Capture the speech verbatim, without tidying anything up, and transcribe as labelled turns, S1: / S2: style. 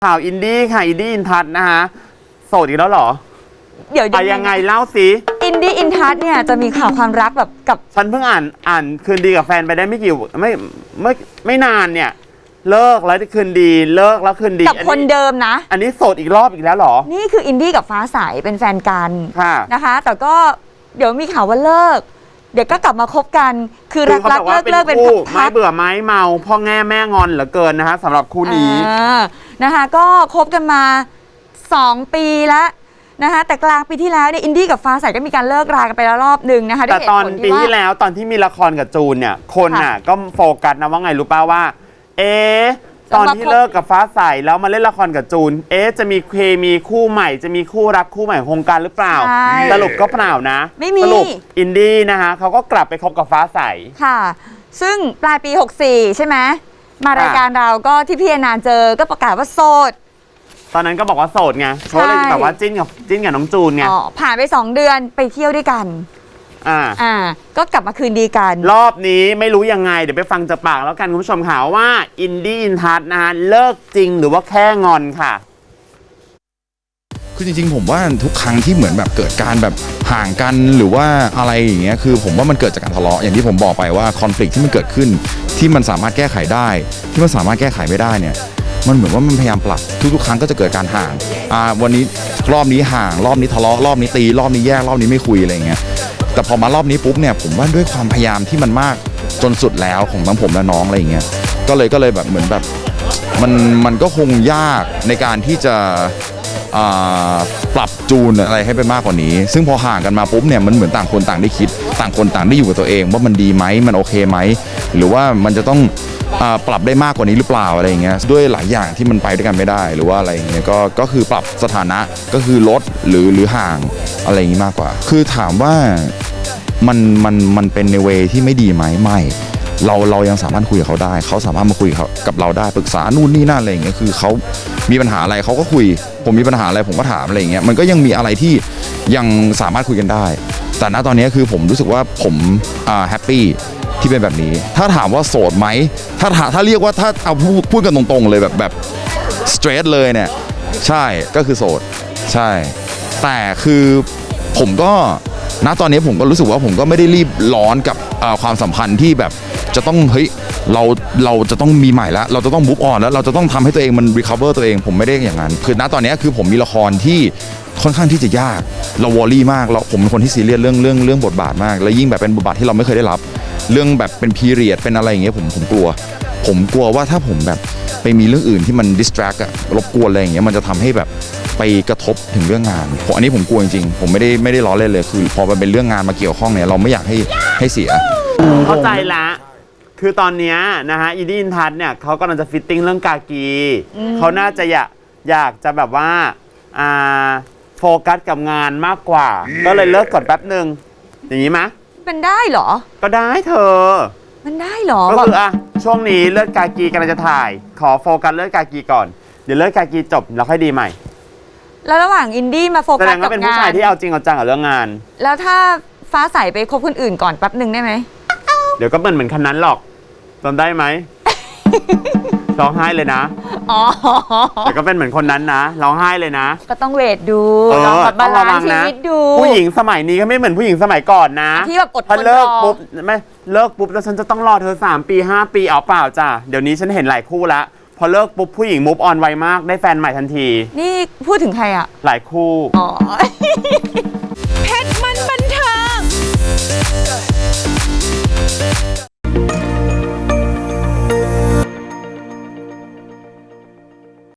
S1: ข่าวอินดี้ค่ะอินดี้อินทัศน์นะคะโสดอีกแล้วเหรอ
S2: เดี๋ยว
S1: ไปยังไงเล่าสิ
S2: อินดี้อินทัศน์เนี่ยจะมีข่าวความรักแบบกับ
S1: ฉันเพิ่งอ่านอ่านคืนดีกับแฟนไปได้ไม่กี่ไม่ไม่ไม่นานเนี่ยเลิกแล้วคืนดีเลิกแล้วคืนดี
S2: กับคนเดิมนะ
S1: อันนี้โสดอีกรอบอีกแล้วเหรอ
S2: นี่คืออินดี้กับฟ้าใสเป็นแฟนกันนะคะแต่ก็เดี๋ยวมีข่าวว่าเลิกเดี๋ยวก็กลับมาคบกันคือรักรักเลิกเลิกเป็น
S1: ไม้เบื่อไม้เมาพ่อแง่แม่งอนเหลือเกินนะคะสำหรับคู่นี้
S2: นะคะก็คบกันมาสองปีแล้วนะคะแต่กลางปีที่แล้วเนี่ยอินดี้กับฟ้าใสก็มีการเลิกรากันไปแล้วรอบหนึ่งนะคะ
S1: แต่ตอนปีที่แล้วตอนที่มีละครกับจูนเนี่ยคนน่ะก็โฟกัสนะว่าไงรู้ป่าวว่าเอ๊ะตอนที่เลิกกับฟ้าใสแล้วมาเล่นละครกับจูนเอ๊ะจะมีเคมีคู่ใหม่จะมีคู่รักคู่ใหม่โครงการหรือเปล่าสรุปก็เปล่านะ
S2: ไม่มี
S1: สรุปอินดี้นะคะเขาก็กลับไปคบกับฟ้าใส
S2: ค่ะซึ่งปลายปีหกสี่ใช่ไหมมารายการเราก็ที่พี่อนานเจอก็ประกาศว่าโสด
S1: ตอนนั้นก็บอกว่าโสดไงเพราะเลยแบบว่าจิ้นกับจิ้นกับน้องจูนไง
S2: ผ่านไปสองเดือนไปเที่ยวด้วยกัน
S1: อ่า
S2: อ่าก็กลับมาคืนดีกัน
S1: รอบนี้ไม่รู้ยังไงเดี๋ยวไปฟังจากปากแล้วกันคุณผู้ชมค่ะว่าอินดี้อินทัศน์นะฮะเลิกจริงหรือว่าแค่งอนค่ะ
S3: คือจริงๆผมว่าทุกครั้งที่เหมือนแบบเกิดการแบบห่างกันหรือว่าอะไรอย่างเงี้ยคือผมว่ามันเกิดจากการทะเลาะอย่างที่ผมบอกไปว่าคอนฟ lict ที่มันเกิดขึ้นที่มันสามารถแก้ไขได้ที่มันสามารถแก้ไขไม่ได้เนี่ยมันเหมือนว่ามันพยายามปรับทุกๆครั้งก็จะเกิดการห่างอ่าวันนี้รอบนี้ห่างรอบนี้ทะเลาะรอบนี้ตีรอบนี้แยกรอบนี้ไม่คุยอะไรอย่างเงี้ยแต่พอมารอบนี้ปุ๊บเนี่ยผมว่าด้วยความพยายามที่มันมากจนสุดแล้วของทั้งผมและน้องอะไรอย่างเงี้ยก็เลยก็เลยแบบเหมือนแบบมันมันก็คงยากในการที่จะปรับจูนอะไรให้ไปมากกว่านี้ซึ่งพอห่างกันมาปุ๊บเนี่ยมันเหมือนต่างคนต่างได้คิดต่างคนต่างได้อยู่กับตัวเองว่ามันดีไหมมันโอเคไหมหรือว่ามันจะต้องปรับได้มากกว่านี้หรือเปล่าอะไรอย่างเงี้ยด้วยหลายอย่างที่มันไปด้วยกันไม่ได้หรือว่าอะไรอย่างเงี้ยก็ก็คือปรับสถานะก็คือลดหรือหรือห่างอะไรอย่างงี้มากกว่าคือถามว่ามันมันมันเป็นในเวที่ไม่ดีไหมไม่เราเรายังสามารถคุยกับเขาได้เขาสามารถมาคุยกับเราได้ปรึกษานู่นนี่นั่นอะไรอย่างเงี้ยคือเขามีปัญหาอะไรเขาก็คุยผมมีปัญหาอะไรผมก็ถามอะไรอย่างเงี้ยมันก็ยังมีอะไรที่ยังสามารถคุยกันได้แต่ณตอนนี้คือผมรู้สึกว่าผมอ่าแฮปปี้ที่เป็นแบบนี้ถ้าถามว่าโสดไหมถ้าถ้าเรียกว่าถ้าเอาพูดพูดกันตรงๆเลยแบบแบบสเตรทเลยเนี่ยใช่ก็คือโสดใช่แต่คือผมก็ณตอนนี้ผมก็รู้สึกว่าผมก็ไม่ได้รีบร้อนกับความสัมพันธ์ที่แบบจะต้องเฮ้ยเราเราจะต้องมีใหม่แล้วเราจะต้องมูฟออนแล้วเราจะต้องทำให้ตัวเองมันรีคัฟเวอร์ตัวเองผมไม่ได้อย่างนั้นคือณตอนนี้คือผมมีละครที่ค่อนข้างที่จะยากเราวอรี่มากเราผมเป็นคนที่ซีเรียสเรื่องเรื่องเรื่องบทบาทมากแล้วยิ่งแบบเป็นบทบาทที่เราไม่เคยได้รับเรื่องแบบเป็นพีเรียดเป็นอะไรอย่างเงี้ยผมผมกลัวผมกลัวว่าถ้าผมแบบไปมีเรื่องอื่นที่มันดิสแทรกอะรบกวนอะไรอย่างเงี้ยมันจะทำให้แบบไปกระทบถึงเรื่องงานผมอันนี้ผมกลัวจริงๆผมไม่ได้ไม่ได้ล้อเล่นเลยคือพอมันเป็นเรื่องงานมาเกี่ยวข้องเนี่ยเราไม่อยากให้ให้เสีย
S1: เข้าใจละคือตอนนี้นะฮะอินดี้อินทัศน์เนี่ยเขากำลังจะฟิตติ้งเรื่องกากีเขาน่าจะอยากอยากจะแบบว่าอ่าโฟกัสกับงานมากกว่าก็เลยเลิกก่อนแป๊บหนึ่งอย่างนี้ไหม
S2: มันได้เหรอ
S1: ก็ได้เธอ
S2: มันได้เหรอ
S1: ก็คืออ่ะช่วงนี้เลิกกากีกำลังจะถ่ายขอโฟกัสเลิกกากีก่อนเดี๋ยวเลิกกากีจบแล้วค่อยดีใหม่
S2: แล้วระหว่างอินดี้มาโฟกัสกับงานแสดงว่า
S1: เป็นผู้ชายที่เอาจริงเอาจังกับเรื่องงาน
S2: แล้วถ้าฟ้าใสไปคบคนอื่นก่อนแป๊บหนึ่งได้ไหม
S1: เดี๋ยวก็เหมือนเหมือนคันนั้นหรอกจำได้ไหมร้องไห้เลยนะอ๋อแต่ก็เป็นเหมือนคนนั้นนะร้องไห้เลยนะ
S2: ก็ต้องเวทดูลองแบบบาลานซ์ชีวิตดู
S1: ผู้หญิงสมัยนี้ก็ไม่เหมือนผู้หญิงสมัยก่อนนะ
S2: ที่แบบอดทนรอพอ
S1: เลิกปุ๊บไม่เลิกปุ๊บแล้วฉันจะต้องรอเธอสามปีห้าปีเอาเปล่าจ้ะเดี๋ยวนี้ฉันเห็นหลายคู่ละพอเลิกปุ๊บผู้หญิงมูฟออนไวมากได้แฟนใหม่ทันที
S2: นี่พูดถึงใครอ่ะ
S1: หลายคู่อ๋อ
S2: เพชรมันบันเทิง